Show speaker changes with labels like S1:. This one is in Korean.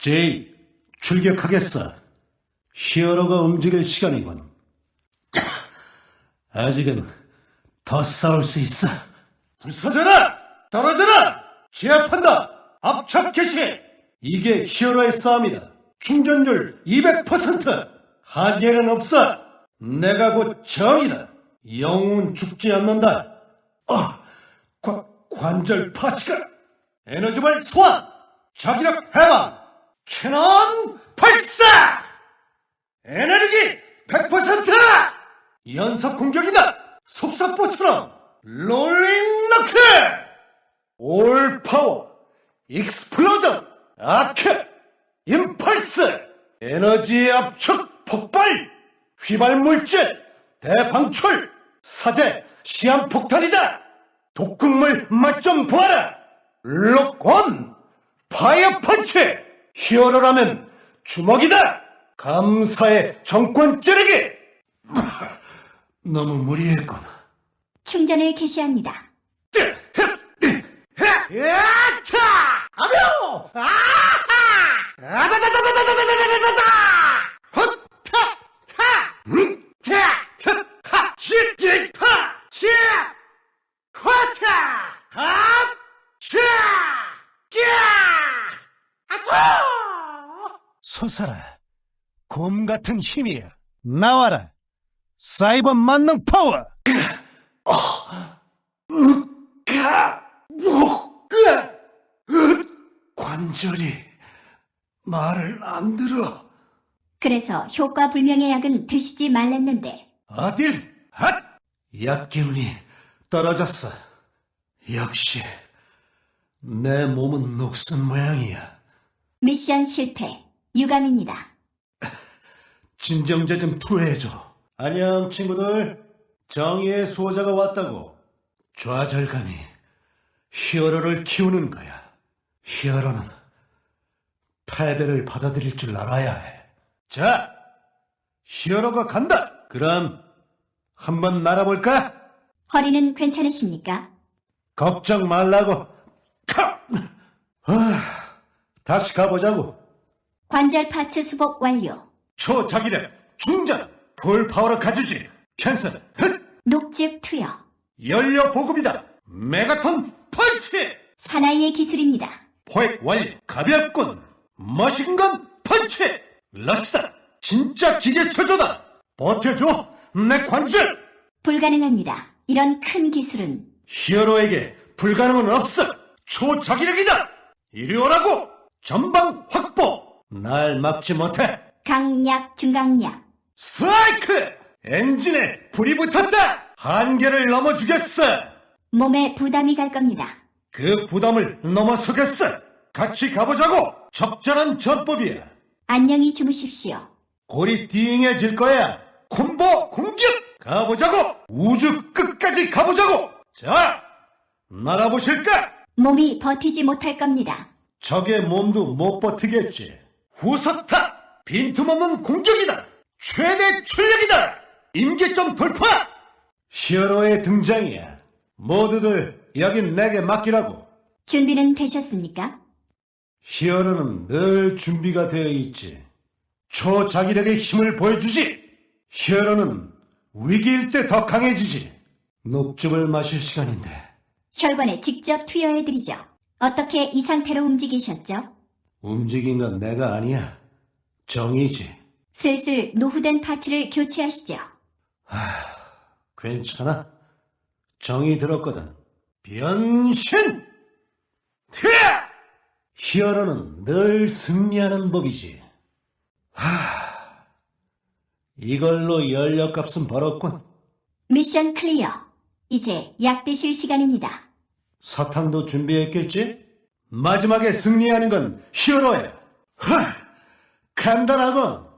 S1: 제이, 출격하겠어. 히어로가 움직일 시간이군. 아직은 더 싸울 수 있어. 부서져라! 떨어져라! 제압한다! 압착 개시! 이게 히어로의 싸움이다. 충전율 200%! 한계는 없어! 내가 곧 정이다. 영웅은 죽지 않는다. 관절 파츠가! 에너지발 소환! 자기력 해방! 캐논 발사! 에너지 100%! 연속 공격이다! 속사포처럼 롤링 너크! 올 파워 익스플로전 아크 임펄스 에너지 압축 폭발 휘발물질 대방출 사대 시한폭탄이다! 독극물 맛 좀 보아라! 록온 파이어 펀치 히어로라면 주먹이다! 감사의 정권 찌르기! 너무 무리했군.
S2: 충전을 개시합니다.
S1: 야차! 아뇨! 아하! 아다다다다다다다다다다! 헛타! 타! 타! 하! 시! 타! 시! 화타! 합! 차! 꺄! 아차! 서사라. 곰 같은 힘이야. 나와라. 사이버 만능 파워! 관절이 말을 안 들어.
S2: 그래서 효과 불명의 약은 드시지 말랬는데
S1: 어딜? 핫! 약 기운이 떨어졌어. 역시 내 몸은 녹슨 모양이야.
S2: 미션 실패. 유감입니다.
S1: 진정제 좀 투여해줘. 안녕 친구들. 정의의 수호자가 왔다고. 좌절감이 히어로를 키우는 거야. 히어로는 패배를 받아들일 줄 알아야 해. 자, 히어로가 간다. 그럼 한번 날아볼까?
S2: 허리는 괜찮으십니까?
S1: 걱정 말라고. 다시 가보자고.
S2: 관절 파츠 수복 완료.
S1: 초자기력 충전 풀파워로 가주지. 캔슬.
S2: 녹즙 투여.
S1: 연료 보급이다. 메가톤 펀치.
S2: 사나이의 기술입니다.
S1: 포획 완료. 가볍군. 머신건 펀치. 러시다. 진짜 기계체조다. 버텨줘. 내 관절.
S2: 불가능합니다. 이런 큰 기술은
S1: 히어로에게 불가능은 없어. 초자기력이다. 이리 오라고. 전방 확보. 날 막지 못해.
S2: 강약 중강약.
S1: 스트라이크. 엔진에 불이 붙었다. 한계를 넘어주겠어.
S2: 몸에 부담이 갈 겁니다.
S1: 그 부담을 넘어서겠어. 같이 가보자고. 적절한 전법이야.
S2: 안녕히 주무십시오.
S1: 골이 띵해질 거야. 콤보 공격. 가보자고. 우주 끝까지 가보자고. 자, 날아보실까?
S2: 몸이 버티지 못할 겁니다.
S1: 적의 몸도 못 버티겠지. 후석타. 빈틈없는 공격이다. 최대 출력이다. 임계점 돌파. 히어로의 등장이야. 모두들 여긴 내게 맡기라고.
S2: 준비는 되셨습니까?
S1: 히어로는 늘 준비가 되어 있지. 초자기력의 힘을 보여주지. 히어로는 위기일 때 더 강해지지. 녹즙을 마실 시간인데.
S2: 혈관에 직접 투여해드리죠. 어떻게 이 상태로 움직이셨죠?
S1: 움직인 건 내가 아니야. 정이지.
S2: 슬슬 노후된 파츠를 교체하시죠.
S1: 괜찮아. 정이 들었거든. 변신! 튀어! 히어로는 늘 승리하는 법이지. 이걸로 연료값은 벌었군.
S2: 미션 클리어. 이제 약 드실 시간입니다.
S1: 사탕도 준비했겠지? 마지막에 승리하는 건 히어로야. 간단하군.